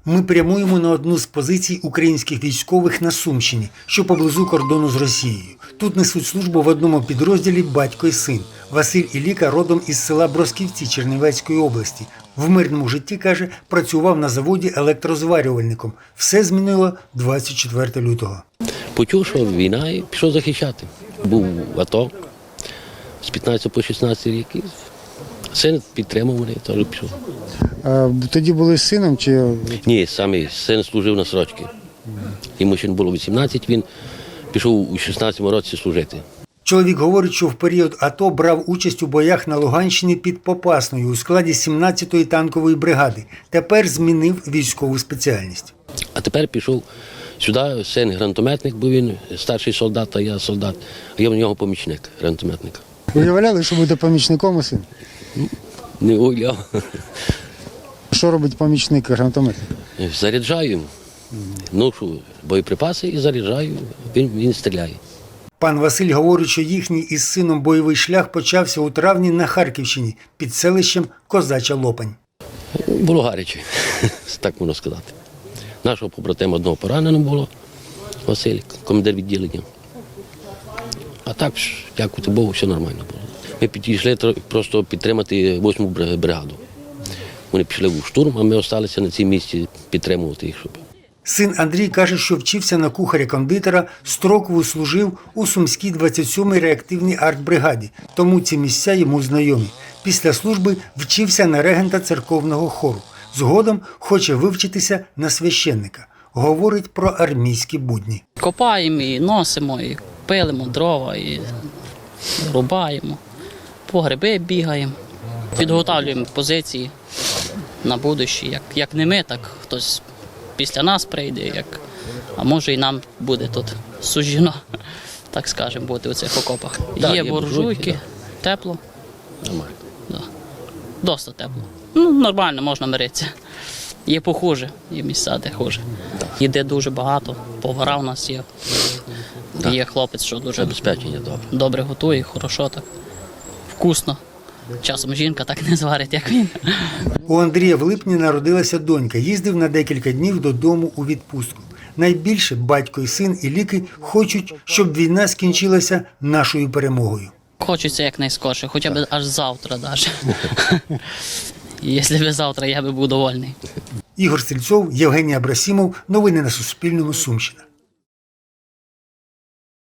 Ми прямуємо на одну з позицій українських військових на Сумщині, що поблизу кордону з Росією. Тут несуть службу в одному підрозділі батько і син. Василь Іліка родом із села Бросківці Чернівецької області. В мирному житті, каже, працював на заводі електрозварювальником. Все змінило 24 лютого. Почув, що війна, і пішов захищати. Був в АТО з 15 по 16 років. Син підтримав мене, теж пішов. А тоді були з сином чи? Ні, сам син служив на срочці. Йому ще не було 18, він пішов у 16-му році служити. Чоловік говорить, що в період АТО брав участь у боях на Луганщині під Попасною у складі 17-ї танкової бригади. Тепер змінив військову спеціальність. А тепер пішов сюди, син гранатометник, бо він старший солдат, а я солдат. А я в нього помічник гранатометника. Уявляли, що буде помічником у син? Не уявляв. Що робить помічник гранатометника? Заряджаю, ношу боєприпаси і заряджаю, він стріляє. Пан Василь говорить, що їхній із сином бойовий шлях почався у травні на Харківщині під селищем Козача Лопань. Було гаряче, так можна сказати. Нашого побратима одного поранено було, Василь, командир відділення. А так, дякувати Богу, все нормально було. Ми підійшли просто підтримати 8-му бригаду. Вони пішли в штурм, а ми залишилися на цій місці підтримувати їх. Син Андрій каже, що вчився на кухаря-кондитера, строкову служив у Сумській 27-й реактивній артбригаді, тому ці місця йому знайомі. Після служби вчився на регента церковного хору. Згодом хоче вивчитися на священника. Говорить про армійські будні. Копаємо і носимо, і пилимо дрова, і рубаємо, по гриби бігаємо, підготовлюємо позиції на будущее. Як не ми, так хтось після нас прийде, а може і нам буде тут суждено, так скажемо, бути у цих окопах. Так, є є буржуйки, да. тепло. Нормально. Да. Досить тепло. Нормально, можна миритися. Є похуже, є місця, де хуже. Їде дуже багато, повара у нас є. Так. Є хлопець, що дуже Забезпечення добре готує, хорошо так, вкусно. Часом жінка так не зварить, як він. У Андрія в липні народилася донька. Їздив на декілька днів додому у відпустку. Найбільше батько і син Іліки хочуть, щоб війна скінчилася нашою перемогою. Хочеться якнайскорше, хоча б аж завтра навіть. Якщо б завтра, я би був довольний. Ігор Стрільцов, Євгеній Абрасімов. Новини на Суспільному. Сумщина.